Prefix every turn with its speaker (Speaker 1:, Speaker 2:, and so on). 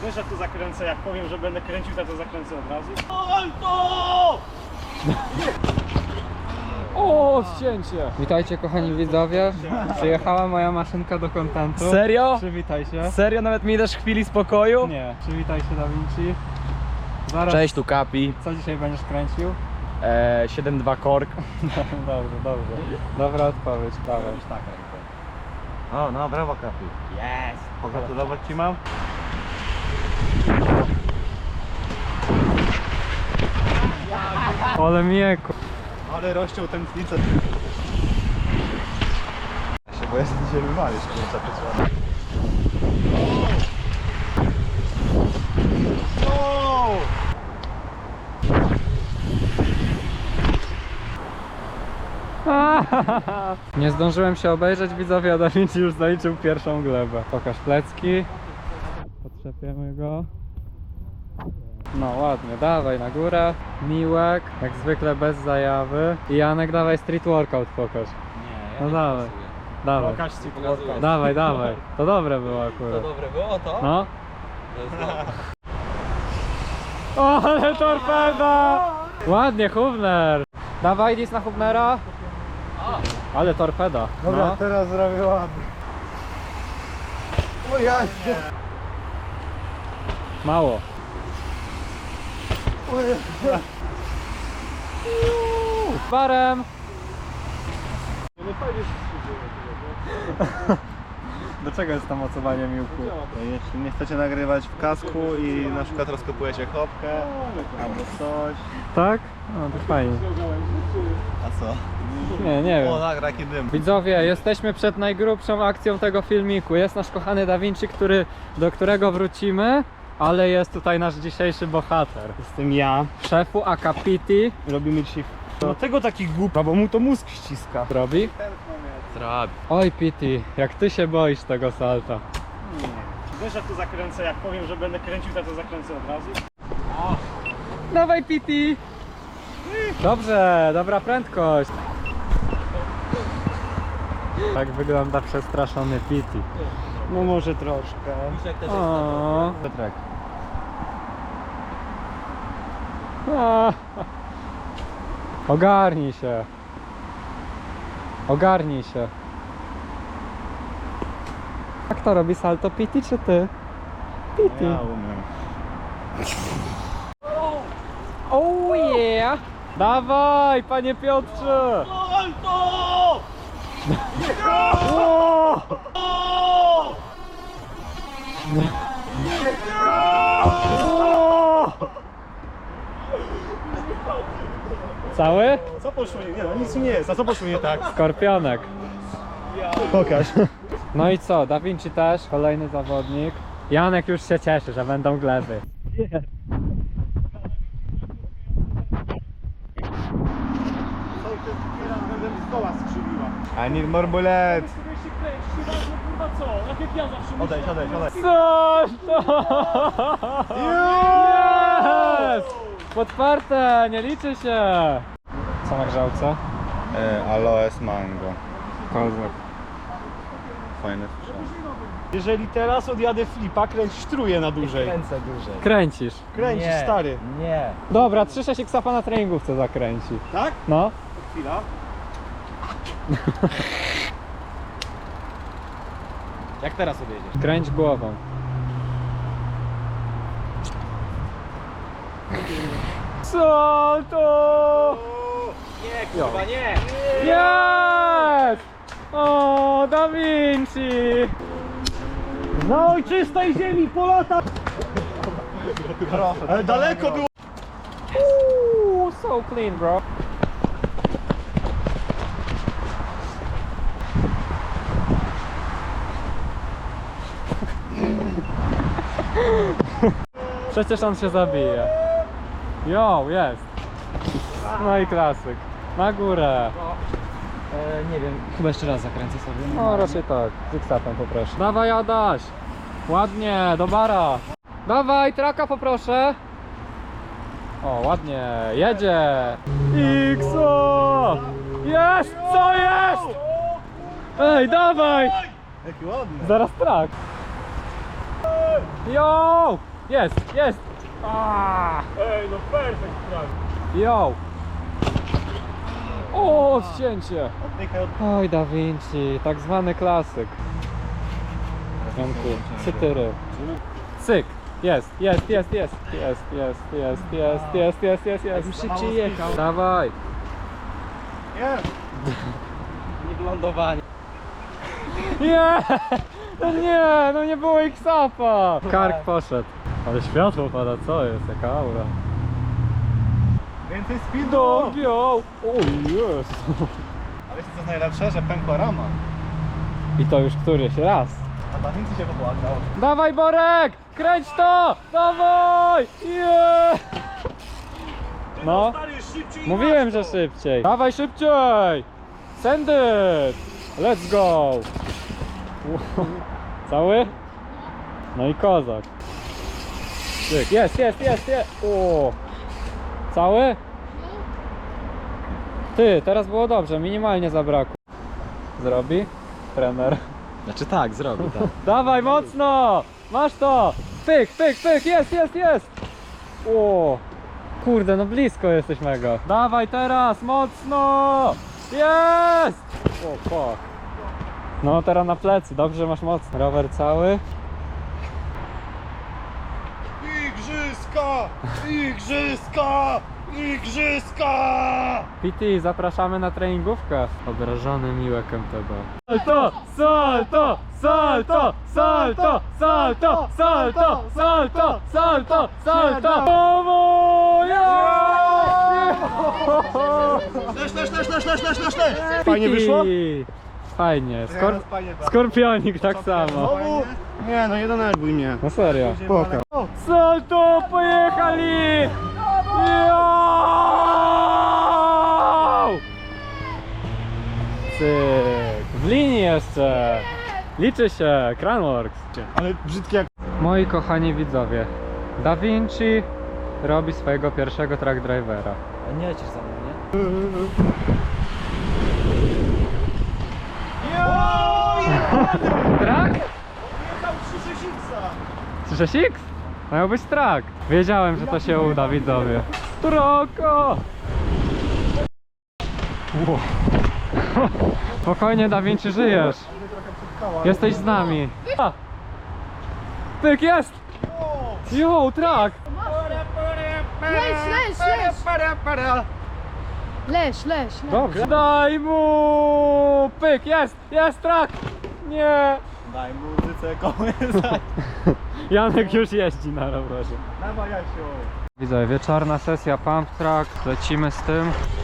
Speaker 1: Wiesz, że tu zakręcę, jak powiem, że będę kręcił, to zakręcę od razu. Alto!
Speaker 2: O, ścięcie! Witajcie kochani widzowie. Przyjechała moja maszynka do kontentu.
Speaker 3: Serio?
Speaker 2: Przywitaj się.
Speaker 3: Serio? Nawet mi dasz chwili spokoju?
Speaker 2: Nie, przywitaj się Da Vinci. Zaraz.
Speaker 3: Cześć, tu Kapi.
Speaker 2: Co dzisiaj będziesz kręcił?
Speaker 3: 7.2 kork.
Speaker 2: Dobrze, dobrze. Dobra odpowiedź, dawaj.
Speaker 4: O, no brawo Kapi.
Speaker 3: Jest!
Speaker 4: Pogratulować ci mam?
Speaker 2: Ale mieku.
Speaker 4: Ale rozciął tętnicę. Ja się boję, że ty się wywalisz, kurczę, pieczone.
Speaker 2: Nie zdążyłem się obejrzeć widzowie, a Da Vinci już zaliczył pierwszą glebę. Pokaż plecki. Potrzepiemy go. No ładnie, dawaj na górę. Miłek, jak zwykle bez zajawy. I Janek, dawaj street workout pokaż.
Speaker 3: Nie,
Speaker 2: No dawaj, dawaj.
Speaker 1: Pokaż ci
Speaker 2: Dawaj, dawaj. To dobre było akurat.
Speaker 3: dobre było to?
Speaker 2: No. O, ale torpeda! Ładnie, Hubner. Dawaj, dis na Hubnera. Ale torpeda.
Speaker 4: Dobra,
Speaker 2: No.
Speaker 4: teraz zrobię ładnie. O ja się.
Speaker 2: Mało. Barem. Do czego jest to mocowanie miłku?
Speaker 4: Jeśli nie chcecie nagrywać w kasku i na przykład rozkopujecie chopkę albo coś.
Speaker 2: Tak? No to fajnie.
Speaker 4: A co?
Speaker 2: Nie wiem.
Speaker 4: O, nagra jaki dym.
Speaker 2: Widzowie, jesteśmy przed najgrubszą akcją tego filmiku. Jest nasz kochany Da Vinci, do którego wrócimy, ale jest tutaj nasz dzisiejszy bohater.
Speaker 1: Jestem ja.
Speaker 2: Szefu Akapiti.
Speaker 1: Robimy dzisiaj... Dlatego taki głupa, bo mu to mózg ściska.
Speaker 2: Robi?
Speaker 3: Trabi.
Speaker 2: Oj Piti, jak ty się boisz tego salta.
Speaker 1: Wiesz, że tu zakręcę, jak powiem, że będę kręcił, to zakręcę od razu.
Speaker 2: Dawaj Piti! Dobrze, dobra prędkość. Tak wygląda przestraszony Piti.
Speaker 1: No może troszkę.
Speaker 2: O.
Speaker 4: Piotrek.
Speaker 2: A. Ogarnij się. Ogarnij się. Jak to robi salto, Piti czy ty? Piti.
Speaker 4: Ja umiem.
Speaker 2: Oh yeah! Dawaj, panie Piotrze!
Speaker 1: Alto!
Speaker 2: Cały?
Speaker 1: Co poszło nie? Nie no, nic nie jest. A co poszło nie tak?
Speaker 2: Skorpionek.
Speaker 1: Pokaż.
Speaker 2: No i co, Da Vinci też, kolejny zawodnik. Janek już się cieszy, że będą gleby.
Speaker 1: Będę z doła skrzywiła.
Speaker 4: I need more bullets.
Speaker 1: Sobie się kręci, kurwa co? Tak jak ja zawsze myślę.
Speaker 4: Odejdź, odejdź, odejdź.
Speaker 2: Coś to! Jest! Potwarte, nie liczy się! Co na grzałce?
Speaker 4: Aloes mango.
Speaker 2: Kozak.
Speaker 4: Fajny sprzęt.
Speaker 1: Jeżeli teraz odjadę flipa, kręć sztruje na dłużej.
Speaker 3: Kręcę dłużej.
Speaker 2: Kręcisz.
Speaker 1: Kręcisz,
Speaker 3: Nie,
Speaker 1: stary.
Speaker 3: Nie.
Speaker 2: Dobra, 3-6 X-a na treningówce zakręci.
Speaker 1: Tak?
Speaker 2: No.
Speaker 1: Chwila.
Speaker 3: Jak teraz odjedziesz?
Speaker 2: Kręć głową. Co to?
Speaker 3: Nie, kurwa, nie!
Speaker 2: Jest! O, Da Vinci!
Speaker 1: Na ojczystej ziemi polata! Ale daleko było!
Speaker 2: So clean, bro. Przecież on się zabije. Jo, jest. No i klasyk. Na górę.
Speaker 3: Nie wiem, chyba jeszcze raz zakręcę sobie.
Speaker 2: No raczej tak. Z X-Tapem poproszę. Dawaj Adaś. Ładnie, do bara. Dawaj, traka poproszę. O, ładnie, jedzie. Xo! Jest, co jest? Ej, dawaj.
Speaker 4: Jaki ładny.
Speaker 2: Zaraz trak. Yo! Jest, jest! Ah!
Speaker 1: Ej, no perfekt prawie.
Speaker 2: Yo! O, odcięcie!
Speaker 4: Oddychaj od...
Speaker 2: Oj, Da Vinci, tak zwany klasyk. Janku, cytyry. Cyk! Jest, jest, jest, jest, jest, jest, jest, jest, jest, jest, jest, jest.
Speaker 3: Szybciej jechał.
Speaker 2: Dawaj!
Speaker 4: Jest!
Speaker 3: Nie lądowanie.
Speaker 2: Nie! No nie, no nie było X-Upa! Kark poszedł. Ale światło pada, co jest? Jaka aura.
Speaker 4: Więcej speedu!
Speaker 2: Yo! O jest!
Speaker 4: A wiecie co jest najlepsze? Że pękła rama.
Speaker 2: I to już któryś raz.
Speaker 4: A Da Vinci się popłakał.
Speaker 2: Dawaj Borek! Kręć to! Dawaj! Yeah! No,
Speaker 1: Stary, szybciej
Speaker 2: mówiłem,
Speaker 1: masz
Speaker 2: że
Speaker 1: to.
Speaker 2: szybciej. Dawaj szybciej! Send it! Let's go! Cały? No i kozak. Cyk. Jest, jest, jest, jest! O! Cały? Ty, teraz było dobrze, minimalnie zabrakło. Zrobi? Trener.
Speaker 3: Znaczy tak, zrobi, tak.
Speaker 2: Dawaj mocno! Masz to! Pyk, pyk, pyk! Jest, jest, jest! O! Kurde, no blisko jesteś mega. Dawaj teraz, mocno! Jest! O, fuck. No teraz na plecy, dobrze, że masz mocno. Rower cały.
Speaker 4: Igrzyska! Igrzyska! Igrzyska!
Speaker 2: PT, zapraszamy na treningówkę. Obrażony Miłek MTB. Salto! Salto! Salto! Salto! Salto! Salto! Salto! Salto! Salto!
Speaker 4: Fajnie wyszło?
Speaker 2: Fajnie.
Speaker 4: Fajnie, tak.
Speaker 2: Skorpionik tak samo.
Speaker 4: Znowu? Nie, no nie denerwuj mnie.
Speaker 2: No serio.
Speaker 4: Pokaż.
Speaker 2: Salto! Pojechali! Yo! Cyk. W linii jeszcze. Liczy się. Cranworks.
Speaker 4: Ale brzydkie jak...
Speaker 2: Moi kochani widzowie, Da Vinci robi swojego pierwszego track drivera.
Speaker 3: A nie lecisz za mną, nie?
Speaker 2: Track?
Speaker 4: Jechał 3
Speaker 2: 3X? Miał być track. Wiedziałem, że to się uda, widzowie. Troko! Wow. Spokojnie, Da Vinci, żyjesz. Jesteś z nami. A! Pyk, jest! Yo, track!
Speaker 5: Leś, leś, leś.
Speaker 2: Dobrze. Daj mu! Pyk, jest! Jest track! Nie!
Speaker 4: Daj muzyce kołysa.
Speaker 2: Janek już jeździ na rowerze.
Speaker 4: Dawaj Jasiu.
Speaker 2: Widzowie, wieczorna sesja pump track. Lecimy z tym.